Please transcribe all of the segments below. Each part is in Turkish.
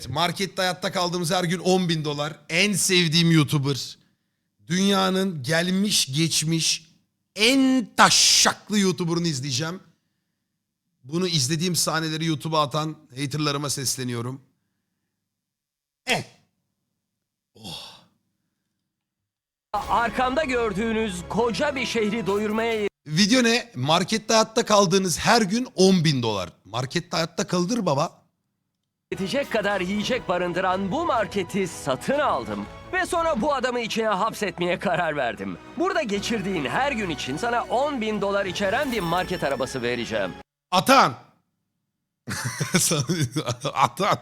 Markette hayatta kaldığımız her gün 10.000 dolar. En sevdiğim YouTuber. Dünyanın gelmiş geçmiş en taşşaklı YouTuber'ını izleyeceğim. Bunu izlediğim sahneleri YouTube'a atan haterlarıma sesleniyorum. Arkamda gördüğünüz koca bir şehri doyurmaya Video ne? Markette hayatta kaldığınız her gün 10.000 dolar. Markette hayatta kaldır baba. yetecek kadar yiyecek barındıran bu marketi satın aldım. Ve sonra bu adamı içine hapsetmeye karar verdim. Burada geçirdiğin her gün için sana 10.000 dolar içeren bir market arabası vereceğim. Atan. Atan.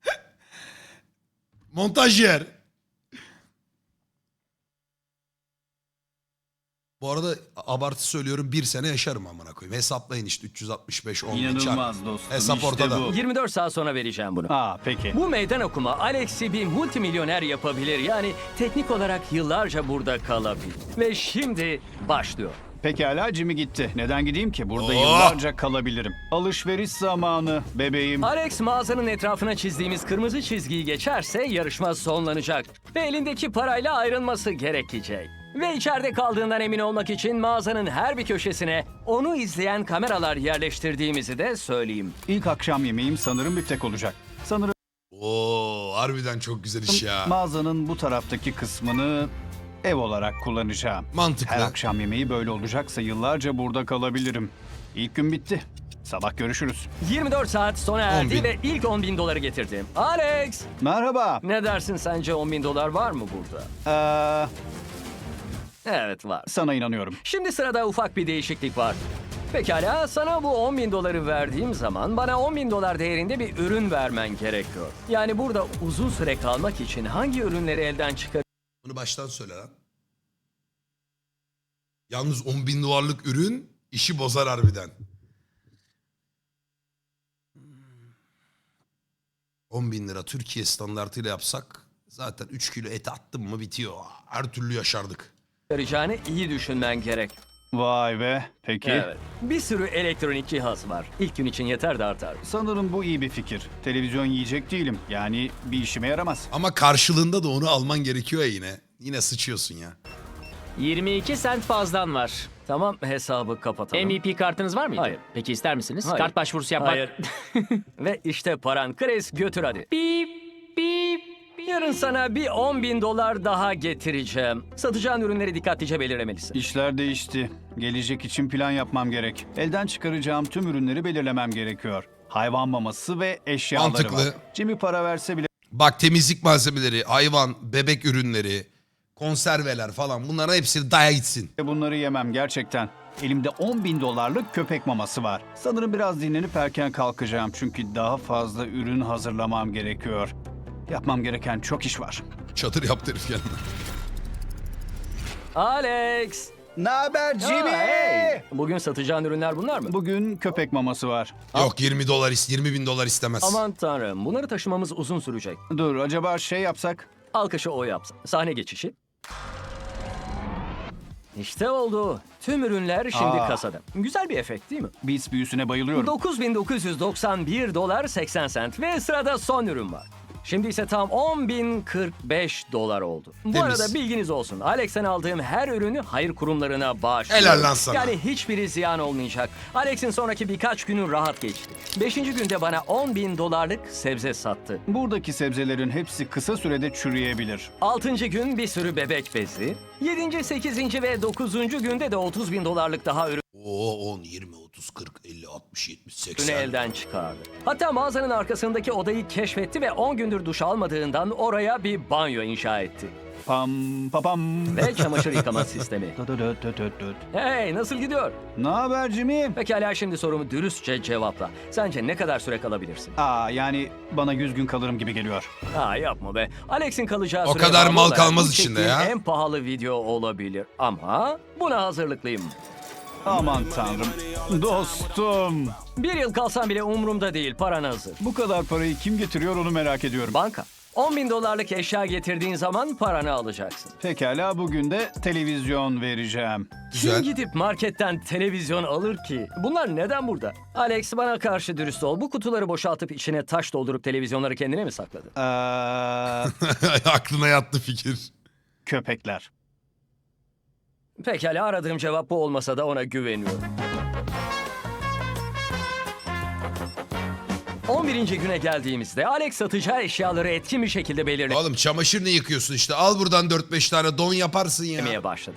Montajyer. Bu arada abartı söylüyorum, bir sene yaşarım amına koyayım. Hesaplayın işte 365 10 İnanılmaz dostum. Hesap işte ortada. bu. 24 saat sonra vereceğim bunu. Peki. Bu meydan okuma Alex'i bir multimilyoner yapabilir. Yani teknik olarak yıllarca burada kalabilir. Ve şimdi başlıyor. Pekala Jimmy gitti. Neden gideyim ki? Burada Oh! yıllarca kalabilirim. Alışveriş zamanı bebeğim. Alex mağazanın etrafına çizdiğimiz kırmızı çizgiyi geçerse yarışma sonlanacak. Ve elindeki parayla ayrılması gerekecek. Ve içeride kaldığından emin olmak için mağazanın her bir köşesine onu izleyen kameralar yerleştirdiğimizi de söyleyeyim. İlk akşam yemeğim sanırım biftek olacak. Sanırım Oo, harbiden çok güzel iş ya. mağazanın bu taraftaki kısmını ev olarak kullanacağım. Mantıklı. Her akşam yemeği böyle olacaksa yıllarca burada kalabilirim. İlk gün bitti. Sabah görüşürüz. 24 saat sona erdi 10.000. ve ilk 10.000 doları getirdim. Alex! Merhaba. Ne dersin, sence 10.000 dolar var mı burada? Evet, var. Sana inanıyorum. Şimdi sırada ufak bir değişiklik var. Pekala, sana bu 10.000 doları verdiğim zaman bana 10.000 dolar değerinde bir ürün vermen gerekiyor. Yani burada uzun süre kalmak için hangi ürünleri elden Bunu baştan söyle lan. Yalnız 10.000 dolarlık ürün işi bozar harbiden. 10.000 lira Türkiye standartıyla yapsak zaten 3 kilo et attım mı bitiyor. Her türlü yaşardık. çıkaracağını iyi düşünmen gerek. Vay be. Peki. Evet. Bir sürü elektronik cihaz var. İlk gün için yeter de artar. Sanırım bu iyi bir fikir. Televizyon yiyecek değilim. Yani bir işime yaramaz. Ama karşılığında da onu alman gerekiyor ya yine. Yine sıçıyorsun ya. 22 sent fazlan var. Tamam, hesabı kapatalım. MVP kartınız var mıydı? Hayır. Peki ister misiniz? Hayır. Kart başvurusu yapmak. Hayır. Ve işte paran. Chris, götür hadi. Bip bip. Yarın sana bir 10.000 dolar daha getireceğim. Satacağın ürünleri dikkatlice belirlemelisin. İşler değişti. Gelecek için plan yapmam gerek. Elden çıkaracağım tüm ürünleri belirlemem gerekiyor. Hayvan maması ve eşyaları Mantıklı. var. Jimmy para verse bile Bak, temizlik malzemeleri, hayvan, bebek ürünleri, konserveler falan, bunların hepsini daya gitsin. bunları yemem gerçekten. Elimde 10.000 dolarlık köpek maması var. Sanırım biraz dinlenip erken kalkacağım çünkü daha fazla ürün hazırlamam gerekiyor. Yapmam gereken çok iş var. Çadır yaptı herif yanına. Alex! Ne haber Jimmy? Hey! Bugün satacağın ürünler bunlar mı? Bugün köpek maması var. Yok 20 dolar 20.000 dolar istemez. Aman tanrım, bunları taşımamız uzun sürecek. Dur acaba şey yapsak? Alkışı o yapsın. Sahne geçişi. İşte oldu. Tüm ürünler şimdi kasada. Güzel bir efekt değil mi? Beats büyüsüne bayılıyorum. 9.991 dolar 80 sent ve sırada son ürün var. Şimdi ise tam 10.045 dolar oldu. Bu Temiz. arada bilginiz olsun. Alex'ten aldığım her ürünü hayır kurumlarına bağışlıyorum. Helal lan sana. Yani hiçbiri ziyan olmayacak. Alex'in sonraki birkaç günü rahat geçti. 5. günde bana 10.000 dolarlık sebze sattı. Buradaki sebzelerin hepsi kısa sürede çürüyebilir. 6. gün bir sürü bebek bezi. 7., 8. ve 9. günde de 30.000 dolarlık daha ürün Oo 10, 20, 30, 40, 50, 60, 70, 80. elden çıkardı. Hatta mağazanın arkasındaki odayı keşfetti ve 10 gündür duş almadığından oraya bir banyo inşa etti. Pam papam. Ve çamaşır yıkama sistemi. Hey, nasıl gidiyor? Ne haber Jimmy? Pekala, şimdi sorumu dürüstçe cevapla. Sence ne kadar süre kalabilirsin? Yani bana 100 gün kalırım gibi geliyor. Yapma be. Alex'in kalacağı O süre kadar bağlı mal olarak kalmaz bu içinde çektiğim ya. En pahalı video olabilir. Ama buna hazırlıklıyım. Aman tanrım. Dostum. 1 yıl kalsam bile umurumda değil. Paran hazır. Bu kadar parayı kim getiriyor onu merak ediyorum. Banka. $10.000 eşya getirdiğin zaman paranı alacaksın. Pekala, bugün de televizyon vereceğim. Güzel. Kim gidip marketten televizyon alır ki? Bunlar neden burada? Alex, bana karşı dürüst ol. Bu kutuları boşaltıp içine taş doldurup televizyonları kendine mi sakladın? Aklına yattı fikir. Köpekler. Pekala, aradığım cevap bu olmasa da ona güveniyorum. 11. güne geldiğimizde Alex satacağı eşyaları etkin bir şekilde belirlemeye Oğlum çamaşır ne yıkıyorsun işte? Al buradan 4-5 tane don yaparsın ya. başladı.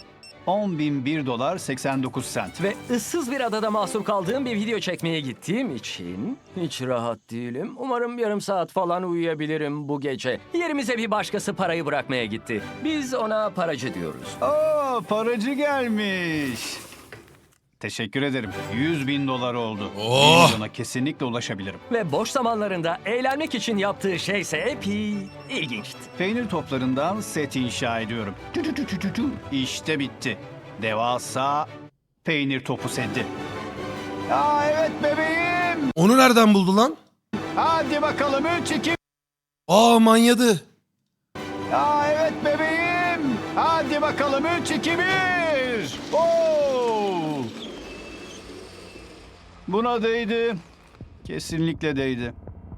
$10.001.89. Ve ıssız bir adada mahsur kaldığım bir video çekmeye gittiğim için hiç rahat değilim. Umarım yarım saat falan uyuyabilirim bu gece. Yerimize bir başkası parayı bırakmaya gitti. Biz ona paracı diyoruz. Paracı gelmiş. Teşekkür ederim. $100.000 oldu. Oh! 1 milyona kesinlikle ulaşabilirim. Ve boş zamanlarında eğlenmek için yaptığı şeyse epey ilginçti. Peynir toplarından set inşa ediyorum. İşte bitti. Devasa peynir topu seti. Evet bebeğim. Onu nereden buldu lan? Hadi bakalım 3-2. Manyadı. Evet bebeğim. Hadi bakalım 3-2-1. Buna değdi. Kesinlikle değdi.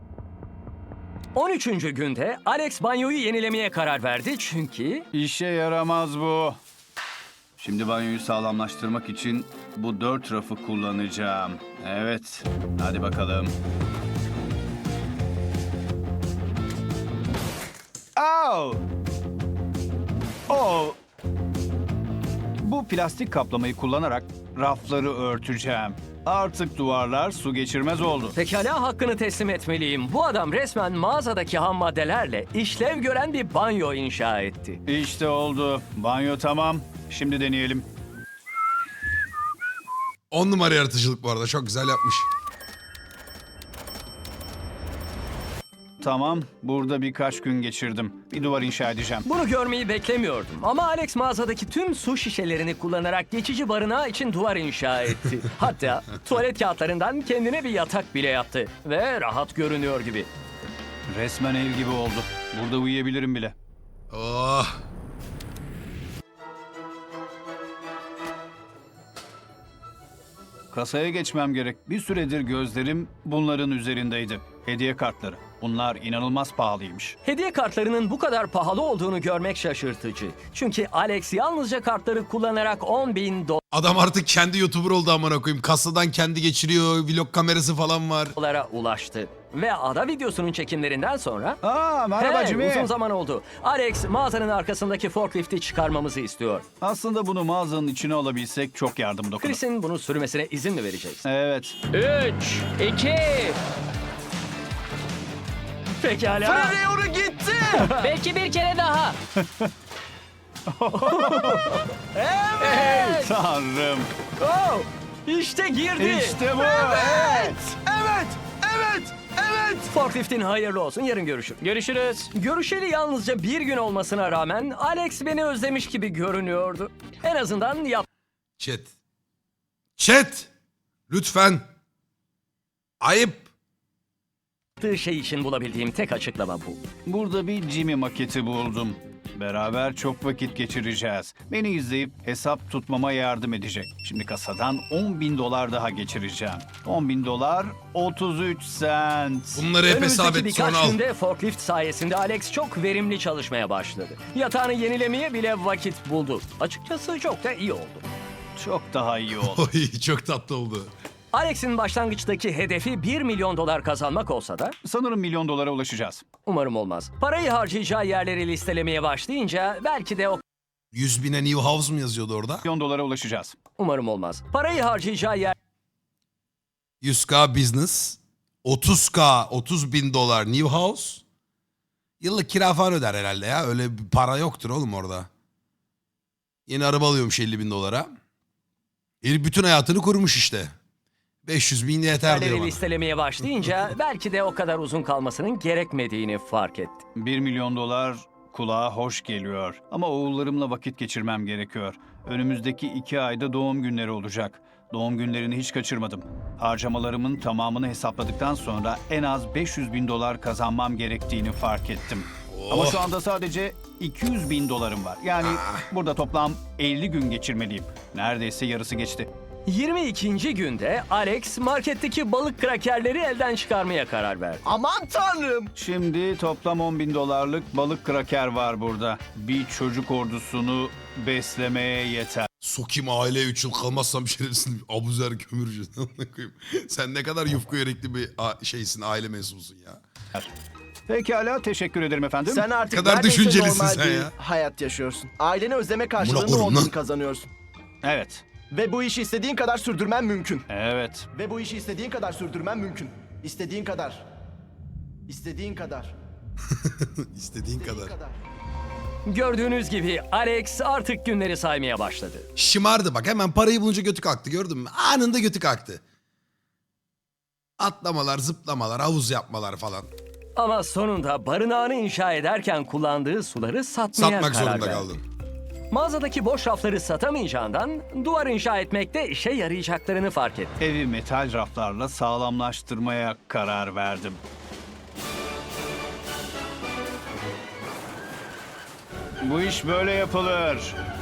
13. günde Alex banyoyu yenilemeye karar verdi çünkü İşe yaramaz bu. Şimdi banyoyu sağlamlaştırmak için bu 4 rafı kullanacağım. Evet, hadi bakalım. Au! Bu plastik kaplamayı kullanarak rafları örteceğim. Artık duvarlar su geçirmez oldu. pekala hakkını teslim etmeliyim. Bu adam resmen mağazadaki ham maddelerle işlev gören bir banyo inşa etti. İşte oldu. Banyo tamam. Şimdi deneyelim. 10 numara yaratıcılık bu arada. Çok güzel yapmış. Tamam, burada birkaç gün geçirdim. Bir duvar inşa edeceğim. Bunu görmeyi beklemiyordum ama Alex mağazadaki tüm su şişelerini kullanarak geçici barınağı için duvar inşa etti. Hatta tuvalet kağıtlarından kendine bir yatak bile yaptı ve rahat görünüyor gibi. Resmen ev gibi oldu. Burada uyuyabilirim bile. Oh. Kasaya geçmem gerek. Bir süredir gözlerim bunların üzerindeydi. Hediye kartları. Bunlar inanılmaz pahalıymış. Hediye kartlarının bu kadar pahalı olduğunu görmek şaşırtıcı. Çünkü Alex yalnızca kartları kullanarak $10.000 Adam artık kendi YouTuber oldu amına koyayım. Kasadan kendi geçiriyor. Vlog kamerası falan var. ulaştı. Ve ada videosunun çekimlerinden sonra Merhaba Hey, Jimmy. uzun zaman oldu. Alex mağazanın arkasındaki forklifti çıkarmamızı istiyor. Aslında bunu mağazanın içine alabilsek çok yardım dokunur. Chris'in bunu sürmesine izin mi vereceksin? Evet. 3, 2. Pekala. gitti. Belki bir kere daha. Evet. Tanrım. Oh, işte girdi. İşte bu. Evet. Evet. Evet. Evet. Forkliftin hayırlı olsun. Yarın görüşürüz. Görüşürüz. Görüşeli yalnızca bir gün olmasına rağmen Alex beni özlemiş gibi görünüyordu. En azından Chat. Chat. Lütfen. Ayıp. yaptığı şey için bulabildiğim tek açıklama bu. Burada bir Jimmy maketi buldum. Beraber çok vakit geçireceğiz. Beni izleyip hesap tutmama yardım edecek. Şimdi kasadan $10.000 daha geçireceğim. $10.000 33 cent. Bunları hep hesap Önümüzdeki et sonra birkaç al. günde forklift sayesinde Alex çok verimli çalışmaya başladı. Yatağını yenilemeye bile vakit buldu. Açıkçası çok da iyi oldu. Çok daha iyi oldu. Oy, çok tatlı oldu. Alex'in başlangıçtaki hedefi $1 milyon kazanmak olsa da Sanırım $1 milyon ulaşacağız. umarım olmaz. Parayı harcayacağı yerleri listelemeye başlayınca belki de o 100 bine New House mu yazıyordu orada? $1 milyon ulaşacağız. umarım olmaz. Parayı harcayacağı yer 100K business. 30K, 30 bin dolar New House. Yıllık kira falan öder herhalde ya. Öyle bir para yoktur oğlum orada. Yeni araba alıyormuş 50 bin dolara. Herif bütün hayatını kurmuş işte. 500 bin yeter diyor yerleri bana. listelemeye başlayınca belki de o kadar uzun kalmasının gerekmediğini fark etti. $1 milyon kulağa hoş geliyor. Ama oğullarımla vakit geçirmem gerekiyor. Önümüzdeki 2 ayda doğum günleri olacak. Doğum günlerini hiç kaçırmadım. Harcamalarımın tamamını hesapladıktan sonra en az $500.000 kazanmam gerektiğini fark ettim. Ama şu anda sadece $200.000 var. Yani burada toplam 50 gün geçirmeliyim. Neredeyse yarısı geçti. 22. günde Alex marketteki balık krakerleri elden çıkarmaya karar verdi. Aman tanrım. Şimdi toplam $10.000'lık balık kraker var burada. Bir çocuk ordusunu beslemeye yeter. Sokayım aileye 3 yıl kalmazsam şerefsin abuzer kömürcü. Sen ne kadar yufka yürekli bir şeysin, aile mensubusun ya. Pekala, teşekkür ederim efendim. Sen artık kadar neredeyse düşüncelisin normal sen bir ya. hayat yaşıyorsun. Aileni özleme Buna karşılığında koyun 10 lan. bin kazanıyorsun. Evet, Ve bu işi istediğin kadar sürdürmen mümkün. evet. Ve bu işi istediğin kadar sürdürmen mümkün. İstediğin kadar. İstediğin kadar. İstediğin kadar. kadar. Gördüğünüz gibi Alex artık günleri saymaya başladı. Şımardı bak, hemen parayı bulunca götü kalktı, gördün mü? Anında götü kalktı. Atlamalar, zıplamalar, havuz yapmalar falan. Ama sonunda barınağını inşa ederken kullandığı suları satmaya Satmak karar zorunda verdi. kaldın. Mağazadaki boş rafları satamayacağından duvar inşa etmekte işe yarayacaklarını fark etti. Evi metal raflarla sağlamlaştırmaya karar verdim. Bu iş böyle yapılır.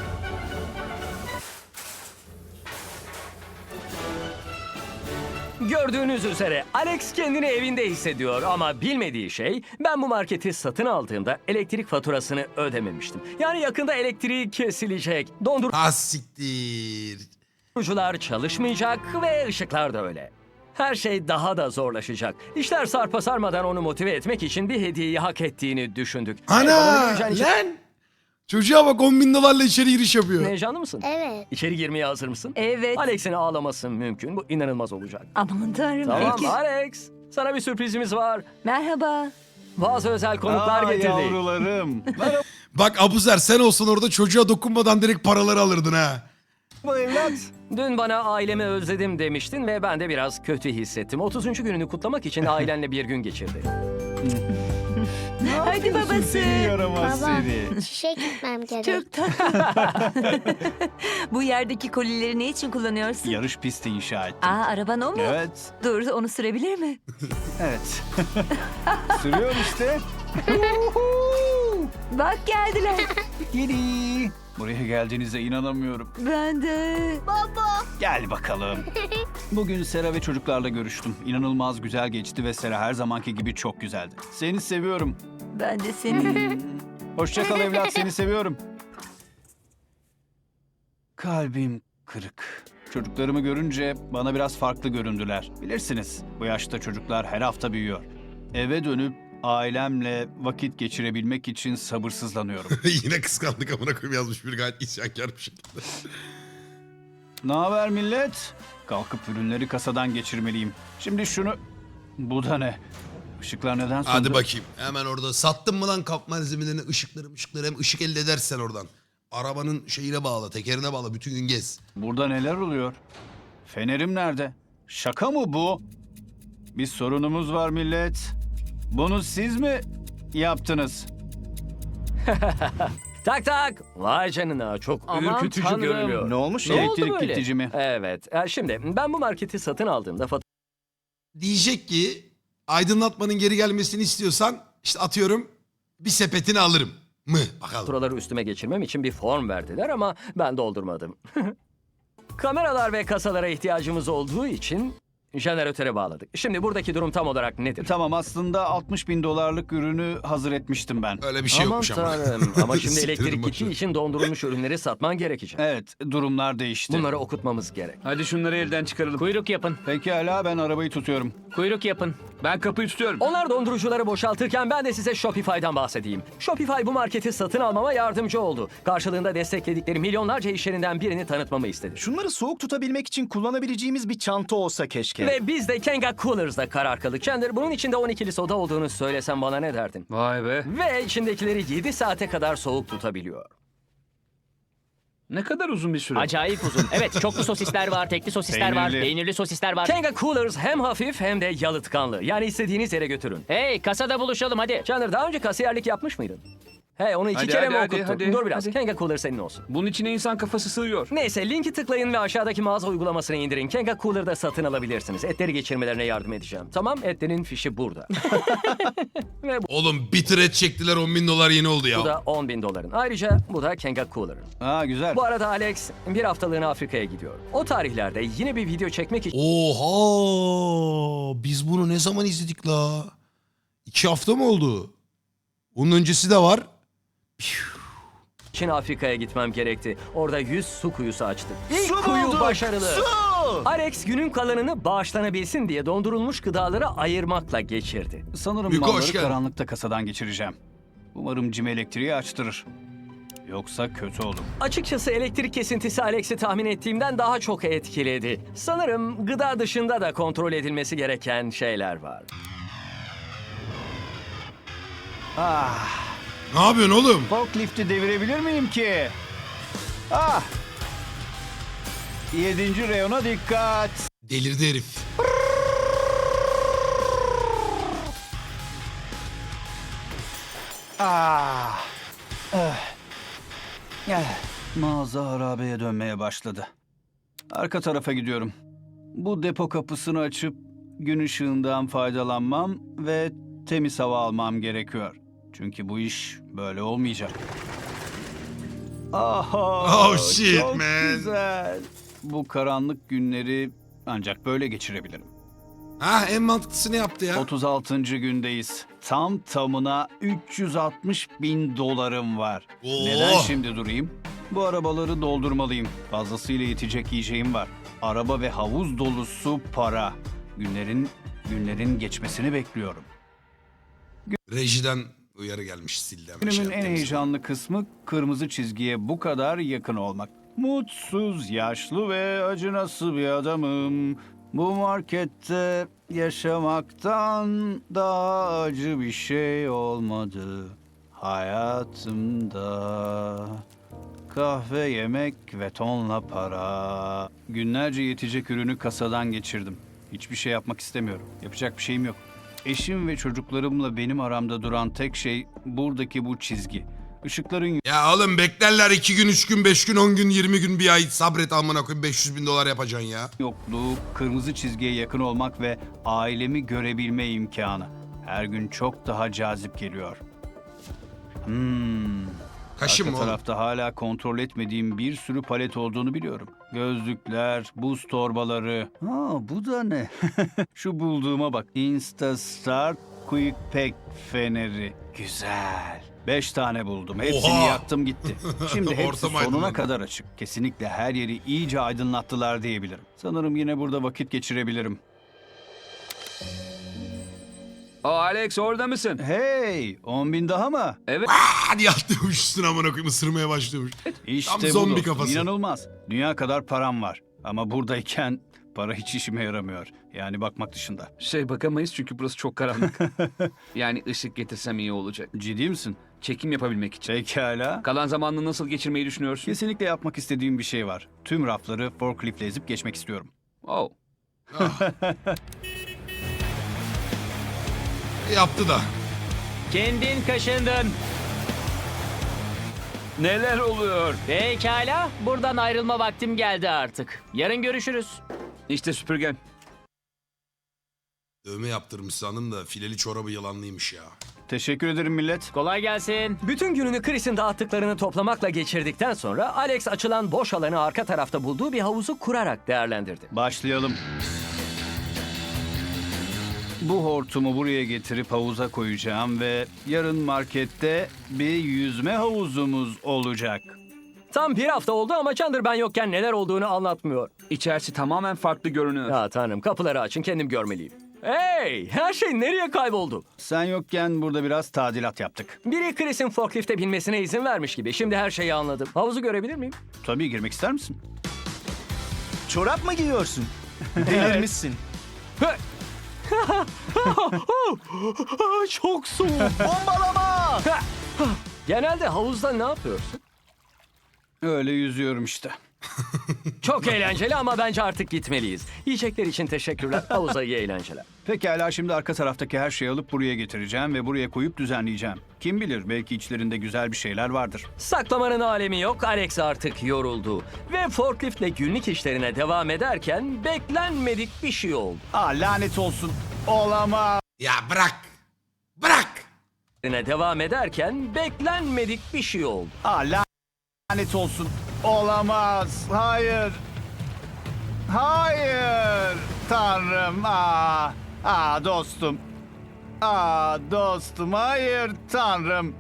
Gördüğünüz üzere Alex kendini evinde hissediyor ama bilmediği şey, ben bu marketi satın aldığımda elektrik faturasını ödememiştim. Yani yakında elektriği kesilecek, Ha siktir. dondurucular çalışmayacak ve ışıklar da öyle. Her şey daha da zorlaşacak. İşler sarpa sarmadan onu motive etmek için bir hediyeyi hak ettiğini düşündük. Ana bana göreceğin için- lan. Çocuğa bak, $10.000'la içeri giriş yapıyor. Heyecanlı mısın? Evet. İçeri girmeye hazır mısın? Evet. Alex'in ağlaması mümkün. Bu inanılmaz olacak. Aman tanrım. Tamam Peki. Alex, sana bir sürprizimiz var. Merhaba. Bazı özel konuklar getirdik. Yavrularım. Merhaba Bak Abuzer, sen olsun orada çocuğa dokunmadan direkt paraları alırdın ha. evlat. Dün bana ailemi özledim demiştin ve ben de biraz kötü hissettim. 30. gününü kutlamak için ailenle bir gün geçirdi. Hadi babası. Seni yaramaz Baba, seni. çişe gitmem gerek. Çok tatlı. Bu yerdeki kolileri ne için kullanıyorsun? Yarış pisti inşa ettim. Aa, araban o mu? Evet, Dur, onu sürebilir mi? evet. Sürüyor işte. Bak geldiler. Gidi. Buraya geldiğinize inanamıyorum. Ben de. Gel bakalım. Bugün Sera ve çocuklarla görüştüm. İnanılmaz güzel geçti ve Sera her zamanki gibi çok güzeldi. Seni seviyorum. Ben de seni. Hoşça kal evlat, seni seviyorum. Kalbim kırık. Çocuklarımı görünce bana biraz farklı göründüler. Bilirsiniz, bu yaşta çocuklar her hafta büyüyor. Eve dönüp ailemle vakit geçirebilmek için sabırsızlanıyorum. Yine kıskandık amına koyayım yazmış bir, gayet isyankar bir şekilde. Ne haber millet? Kalkıp ürünleri kasadan geçirmeliyim. Şimdi şunu... Bu da ne? Işıklar neden söndü? Hadi bakayım. Hemen orada sattın mı lan kap malzemelerini, ışıkları hem ışık elde edersen oradan. Arabanın şeyine bağla, tekerine bağla, bütün gün gez. Burada neler oluyor? Fenerim nerede? Şaka mı bu? Bir sorunumuz var millet. Bunu siz mi yaptınız? Tak tak. Vay canına, çok Aman ürkütücü tanrım. görünüyor. Ne olmuş Ne ya? oldu Elektrik böyle? gidici mi? Evet. Şimdi ben bu marketi satın aldığımda Diyecek ki aydınlatmanın geri gelmesini istiyorsan işte atıyorum bir sepetini alırım mı? Bakalım. faturaları üstüme geçirmem için bir form verdiler ama ben doldurmadım. Kameralar ve kasalara ihtiyacımız olduğu için jeneratöre bağladık. Şimdi buradaki durum tam olarak nedir? Tamam, aslında $60.000'lık ürünü hazır etmiştim ben. Öyle bir şey Aman yokmuş ama. tanrım. Ama şimdi Siktirin elektrik boşver. gittiği için dondurulmuş ürünleri satman gerekecek. Evet, durumlar değişti. Bunları okutmamız gerek. Hadi şunları elden çıkaralım. Kuyruk yapın. Pekala, ben arabayı tutuyorum. Kuyruk yapın. Ben kapıyı tutuyorum. Onlar dondurucuları boşaltırken ben de size Shopify'dan bahsedeyim. Shopify bu marketi satın almama yardımcı oldu. Karşılığında destekledikleri milyonlarca iş yerinden birini tanıtmamı istedi. Şunları soğuk tutabilmek için kullanabileceğimiz bir çanta olsa keşke. Ve biz de Kenga Coolers'da karar kıldık. Chandler, bunun içinde 12'li soda olduğunu söylesem bana ne derdin? Vay be. Ve içindekileri 7 saate kadar soğuk tutabiliyor. Ne kadar uzun bir süre. Acayip uzun. Evet, çoklu sosisler var, tekli sosisler var, Peynirli. peynirli sosisler var. Kenga Coolers hem hafif hem de yalıtkanlı. Yani istediğiniz yere götürün. Hey, kasada buluşalım hadi. Chandler, daha önce kasiyerlik yapmış mıydın? Hey onu iki Hadi, kere hadi, mi hadi, okuttun? hadi, Dur biraz. hadi. Kenga Cooler senin olsun. Bunun içine insan kafası sığıyor. Neyse linki tıklayın ve aşağıdaki mağaza uygulamasını indirin. Kenga Cooler'da satın alabilirsiniz. Etleri geçirmelerine yardım edeceğim. Tamam, etlerin fişi burada. Oğlum bitir et çektiler, 10 bin dolar yeni oldu Bu ya. da $10.000. Ayrıca bu da Kenga Cooler'ın. Aa güzel. Bu arada Alex bir haftalığına Afrika'ya gidiyor. O tarihlerde yine bir video çekmek Oha! Biz bunu ne zaman izledik la? 2 hafta mı oldu? Bunun öncesi de var. için Afrika'ya gitmem gerekti. Orada 100 su kuyusu açtık. İlk kuyu başarılı. Alex günün kalanını bağışlanabilsin diye dondurulmuş gıdaları ayırmakla geçirdi. Sanırım Büyük hoş malları geldin. karanlıkta kasadan geçireceğim. Umarım Jim elektriği açtırır. Yoksa kötü olur. Açıkçası elektrik kesintisi Alex'i tahmin ettiğimden daha çok etkiledi. Sanırım gıda dışında da kontrol edilmesi gereken şeyler var. Ne yapıyorsun oğlum? Forklift'i devirebilir miyim ki? Ah! 7. reyona dikkat. Delirdi herif. Ah! Mağaza harabeye dönmeye başladı. Arka tarafa gidiyorum. Bu depo kapısını açıp gün ışığından faydalanmam ve temiz hava almam gerekiyor. Çünkü bu iş böyle olmayacak. Aha! Oh shit, çok man. güzel. Bu karanlık günleri ancak böyle geçirebilirim. Ha, en mantıklısını yaptı ya. 36. gündeyiz. Tam tamına 360 bin dolarım var. Oo. Neden şimdi durayım? Bu arabaları doldurmalıyım. Fazlasıyla yetecek yiyeceğim var. Araba ve havuz dolusu para. Günlerin geçmesini bekliyorum. Rejiden uyarı gelmiş, sildi hemen. Günümün en yaptı. heyecanlı kısmı kırmızı çizgiye bu kadar yakın olmak. Mutsuz, yaşlı ve acınası bir adamım. Bu markette yaşamaktan daha acı bir şey olmadı hayatımda. Kahve, yemek ve tonla para. Günlerce yetecek ürünü kasadan geçirdim. Hiçbir şey yapmak istemiyorum. Yapacak bir şeyim yok. Eşim ve çocuklarımla benim aramda duran tek şey buradaki bu çizgi. Işıkların Ya oğlum beklerler 2 gün, 3 gün, 5 gün, 10 gün, 20 gün, bir ay sabret amına koyayım, 500 bin dolar yapacaksın ya. yokluğu, kırmızı çizgiye yakın olmak ve ailemi görebilme imkanı. Her gün çok daha cazip geliyor. Kaşın Arka mı oğlum? tarafta hala kontrol etmediğim bir sürü palet olduğunu biliyorum. Gözlükler, buz torbaları. Ha bu da ne? Şu bulduğuma bak. Instastart Quick Pack feneri. Güzel. 5 tane buldum. Hepsini Oha! yaktım gitti. Şimdi hepsi Ortam sonuna aydınlandı. kadar açık. Kesinlikle her yeri iyice aydınlattılar diyebilirim. Sanırım yine burada vakit geçirebilirim. Alex orada mısın? Hey, 10 bin daha mı? Evet. Hadi yatlıyormuş üstüne amına koyayım, ısırmaya başlıyormuş. İşte Tam bu zombi dostum, kafası. İnanılmaz. Dünya kadar param var. Ama buradayken para hiç işime yaramıyor. Yani bakmak dışında. Bakamayız çünkü burası çok karanlık. Yani ışık getirsem iyi olacak. Ciddi misin? Çekim yapabilmek için. Pekala. Kalan zamanını nasıl geçirmeyi düşünüyorsun? Kesinlikle yapmak istediğim bir şey var. Tüm rafları forkliftle ezip geçmek istiyorum. Oh. Yaptı da. Kendin kaşındın. Neler oluyor? Pekala, buradan ayrılma vaktim geldi artık. Yarın görüşürüz. İşte süpürgen. Dövme yaptırmış sandım da fileli çorabı yılanlıymış ya. Teşekkür ederim millet. Kolay gelsin. Bütün gününü Chris'in dağıttıklarını toplamakla geçirdikten sonra Alex açılan boş alanı arka tarafta bulduğu bir havuzu kurarak değerlendirdi. Başlayalım. Bu hortumu buraya getirip havuza koyacağım ve yarın markette bir yüzme havuzumuz olacak. Tam bir hafta oldu ama Chandler ben yokken neler olduğunu anlatmıyor. İçerisi tamamen farklı görünüyor. Ya tanrım kapıları açın kendim görmeliyim. Hey her şey nereye kayboldu? Sen yokken burada biraz tadilat yaptık. Biri Chris'in forklifte binmesine izin vermiş gibi. Şimdi her şeyi anladım. Havuzu görebilir miyim? Tabii girmek ister misin? Çorap mı giyiyorsun? Delirmişsin. Çok soğuk. Bombalama! Genelde havuzda ne yapıyorsun? Öyle yüzüyorum işte. Çok eğlenceli ama bence artık gitmeliyiz. Yiyecekler için teşekkürler. Havuza iyi eğlenceler. Pekala, şimdi arka taraftaki her şeyi alıp buraya getireceğim ve buraya koyup düzenleyeceğim. Kim bilir, belki içlerinde güzel bir şeyler vardır. Saklamanın alemi yok. Alex artık yoruldu. Ve forkliftle günlük işlerine devam ederken beklenmedik bir şey oldu. Lanet olsun. Olamaz. Ya bırak. Bırak. Devam ederken beklenmedik bir şey oldu. Lanet olsun. Olamaz. Hayır. Hayır. Tanrım. Dostum. Dostum. Hayır Tanrım.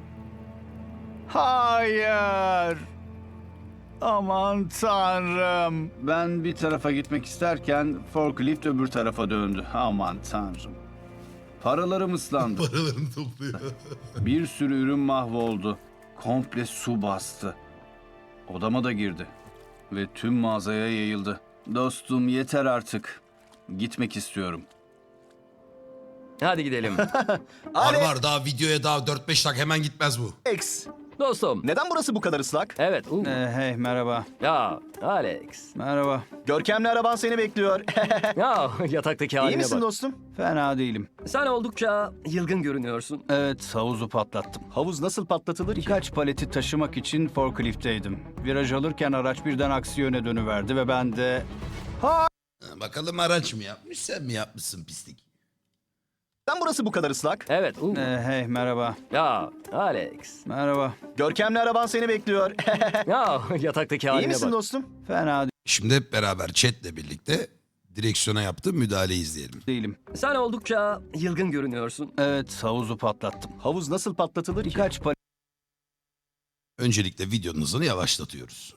Hayır. Aman Tanrım. Ben bir tarafa gitmek isterken forklift öbür tarafa döndü. Aman Tanrım. Paralarım ıslandı. Paralarını topluyor. Bir sürü ürün mahvoldu. Komple su bastı. Odama da girdi. Ve tüm mağazaya yayıldı. Dostum, yeter artık. Gitmek istiyorum. Hadi gidelim. Var daha videoya daha 4-5 dakika hemen gitmez bu. Alex, Dostum. neden burası bu kadar ıslak? Evet. Hey, merhaba. Ya Alex. Merhaba. Görkemli araban seni bekliyor. Ya yataktaki İyi haline misin bak. dostum? Fena değilim. Sen oldukça yılgın görünüyorsun. Evet, havuzu patlattım. Havuz nasıl patlatılır ki? Birkaç paleti taşımak için forkliftteydim. Viraj alırken araç birden aksi yöne dönüverdi ve ben de... Bakalım araç mı yapmış sen mi yapmışsın pislik? Neden burası bu kadar ıslak? Evet. Hey, merhaba. Ya Alex. Merhaba. Görkemli araban seni bekliyor. Ya yataktaki İyi haline misin bak. dostum? Fena Şimdi hep beraber chatle birlikte direksiyona yaptığım müdahaleyi izleyelim. değilim. Sen oldukça yılgın görünüyorsun. Evet, havuzu patlattım. Havuz nasıl patlatılır ki? Birkaç Öncelikle videonun hızını yavaşlatıyoruz.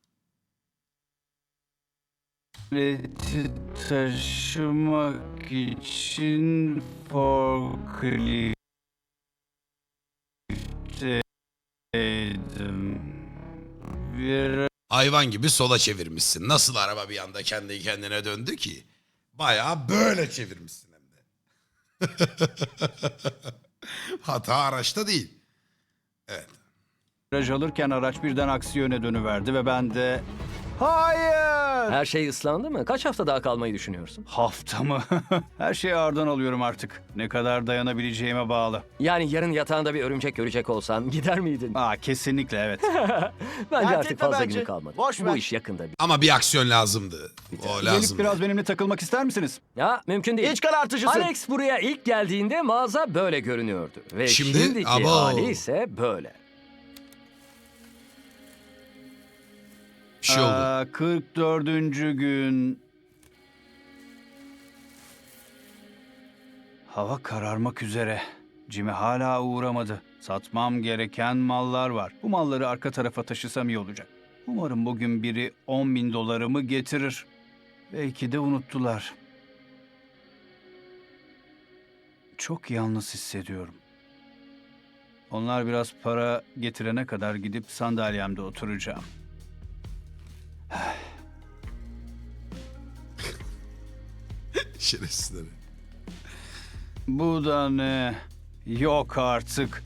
paleti taşımak için forkliftteydim. Viraj Hayvan gibi sola çevirmişsin. Nasıl araba bir anda kendi kendine döndü ki? Bayağı böyle çevirmişsin hem de. Hata araçta değil. alırken araç birden aksi yöne dönüverdi ve ben de... Hayır! Her şey ıslandı mı? Kaç hafta daha kalmayı düşünüyorsun? Hafta mı? Her şeyi ağırdan alıyorum artık. Ne kadar dayanabileceğime bağlı. Yani yarın yatağında bir örümcek görecek olsan gider miydin? Kesinlikle evet. Bence Dert artık etme fazla bence. günü kalmadı. Boş Bu ver. iş yakında bir. Ama bir aksiyon lazımdı. O Gelip lazım. biraz benimle takılmak ister misiniz? Ya mümkün değil. İç karartıcısın. Alex buraya ilk geldiğinde mağaza böyle görünüyordu. Ve Şimdi- şimdiki Abo. hali ise böyle. Bir şey oldu. 44. gün. Hava kararmak üzere. Jimmy hala uğramadı. Satmam gereken mallar var. Bu malları arka tarafa taşısam iyi olacak. Umarım bugün biri $10.000 getirir. Belki de unuttular. Çok yalnız hissediyorum. Onlar biraz para getirene kadar gidip sandalyemde oturacağım. Şerefsizleri. Bu da ne? Yok artık.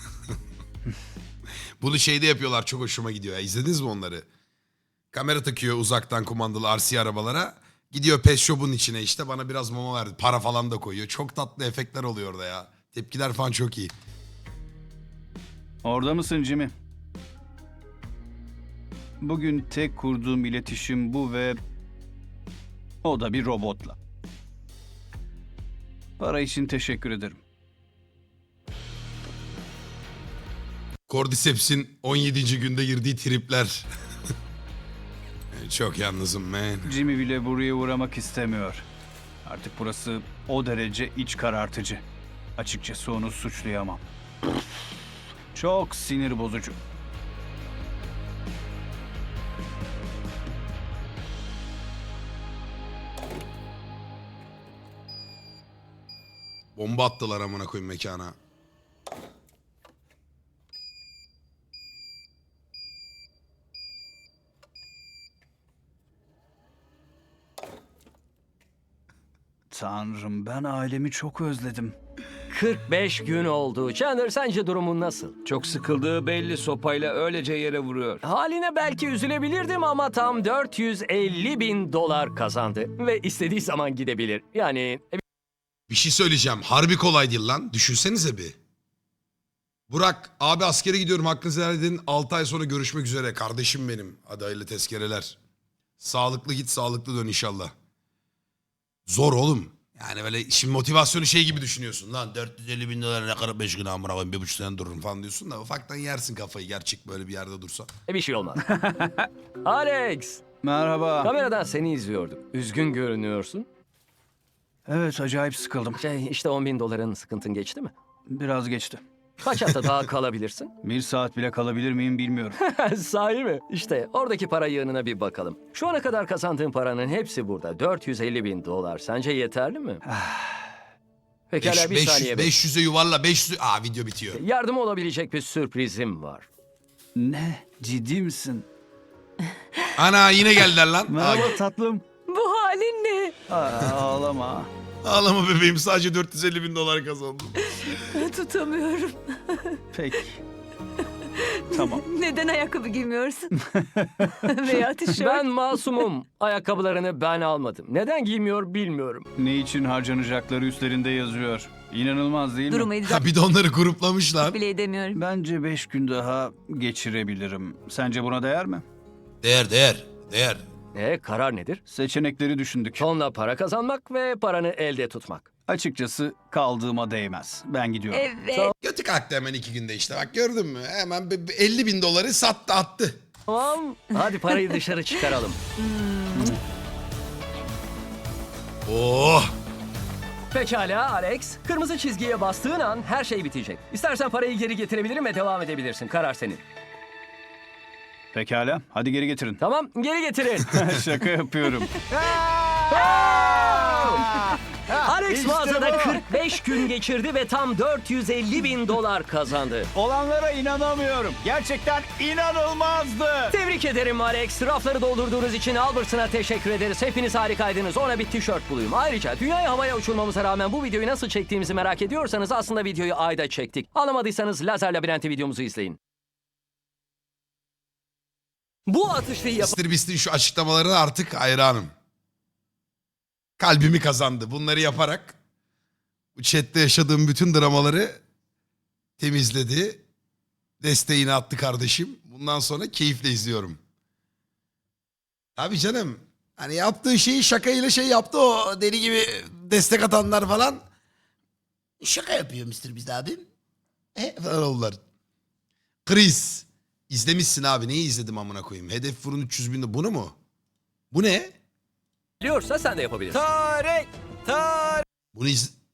Bunu şeyde yapıyorlar, çok hoşuma gidiyor ya. İzlediniz mi onları? Kamera takıyor uzaktan kumandalı RC arabalara. Gidiyor pet shop'un içine, işte bana biraz mama verdi. Para falan da koyuyor. Çok tatlı efektler oluyor orada ya. Tepkiler falan çok iyi. Orada mısın Jimmy? Bugün tek kurduğum iletişim bu ve o da bir robotla. Para için teşekkür ederim. Cordyceps'in 17. günde girdiği tripler. Çok yalnızım man. Jimmy bile buraya uğramak istemiyor. Artık burası o derece iç karartıcı. Açıkçası onu suçlayamam. Çok sinir bozucu. Bomba attılar amına koyayım mekana. Tanrım, ben ailemi çok özledim. 45 gün oldu. Chandler, sence durumun nasıl? Çok sıkıldığı belli, sopayla öylece yere vuruyor. Haline belki üzülebilirdim ama tam 450 bin dolar kazandı. Ve istediği zaman gidebilir. Yani Bir şey söyleyeceğim. Harbi kolay değil lan. Düşünsenize bir. Burak abi askere gidiyorum hakkınızı helal edin. 6 ay sonra görüşmek üzere. Kardeşim benim. Hadi hayırlı tezkereler. Sağlıklı git sağlıklı dön inşallah. Zor oğlum. Yani böyle şimdi motivasyonu şey gibi düşünüyorsun. Lan 450 bin dolar ne kadar 5 gün amına koyayım 1,5 sene dururum falan diyorsun da ufaktan yersin kafayı gerçek böyle bir yerde dursa. bir şey olmaz. Alex, Merhaba. kameradan seni izliyorduk. Üzgün görünüyorsun. Evet, acayip sıkıldım. İşte 10 bin doların sıkıntın geçti mi? Biraz geçti. Kaç hafta daha kalabilirsin? 1 saat bile kalabilir miyim bilmiyorum. Sahi mi? İşte oradaki para yığınına bir bakalım. Şu ana kadar kazandığın paranın hepsi burada. 450 bin dolar. Sence yeterli mi? Pekala bir saniye. 500'e yuvarla 500'e... Aa video bitiyor. Yardım olabilecek bir sürprizim var. Ne? Ciddi misin? Ana yine geldiler lan. Merhaba tatlım. Bu halin ne? Ağlama. Ağlama bebeğim sadece 450 bin dolar kazandım. Tutamıyorum. Peki. Tamam. Neden ayakkabı giymiyorsun? Veya tişört. Ben masumum. Ayakkabılarını ben almadım. Neden giymiyor bilmiyorum. Ne için harcanacakları üstlerinde yazıyor. İnanılmaz değil mi? Durumu idrak Ha bir de onları gruplamışlar. bile edemiyorum. Bence 5 gün daha geçirebilirim. Sence buna değer mi? Değer. Karar nedir? Seçenekleri düşündük. Tonla para kazanmak ve paranı elde tutmak. Açıkçası kaldığıma değmez. Ben gidiyorum. Evet. Götü kalktı hemen 2 günde işte bak gördün mü? Hemen 50 bin doları sattı attı. Tamam. Hadi parayı dışarı çıkaralım. Oh. Pekala Alex. Kırmızı çizgiye bastığın an her şey bitecek. İstersen parayı geri getirebilirim ve devam edebilirsin. Karar senin. Pekala. Hadi geri getirin. Tamam, geri getirin. Şaka yapıyorum. Alex İşte mağazada bu. 45 gün geçirdi ve tam 450 bin dolar kazandı. Olanlara inanamıyorum. Gerçekten inanılmazdı. Tebrik ederim Alex. Rafları doldurduğunuz için Albertson'a teşekkür ederiz. Hepiniz harikaydınız. Ona bir tişört bulayım. Ayrıca dünyaya havaya uçurmamıza rağmen bu videoyu nasıl çektiğimizi merak ediyorsanız aslında videoyu ayda çektik. Anlamadıysanız Lazer Labirenti videomuzu izleyin. Bu atışlıyı Mr. Beast'in şu açıklamalarına artık hayranım. Kalbimi kazandı. Bunları yaparak bu chatte yaşadığım bütün dramaları temizledi. Desteğini attı kardeşim. Bundan sonra keyifle izliyorum. Tabii canım. Hani yaptığı şeyi şakayla şey yaptı o deli gibi destek atanlar falan. Şaka yapıyor Mr. Beast abim. Falan oldular. Chris. İzlemişsin abi. Neyi izledim amına koyayım? Hedef vurun 300 bin. Bunu mu? Bu ne? biliyorsa sen de yapabilirsin. Bunu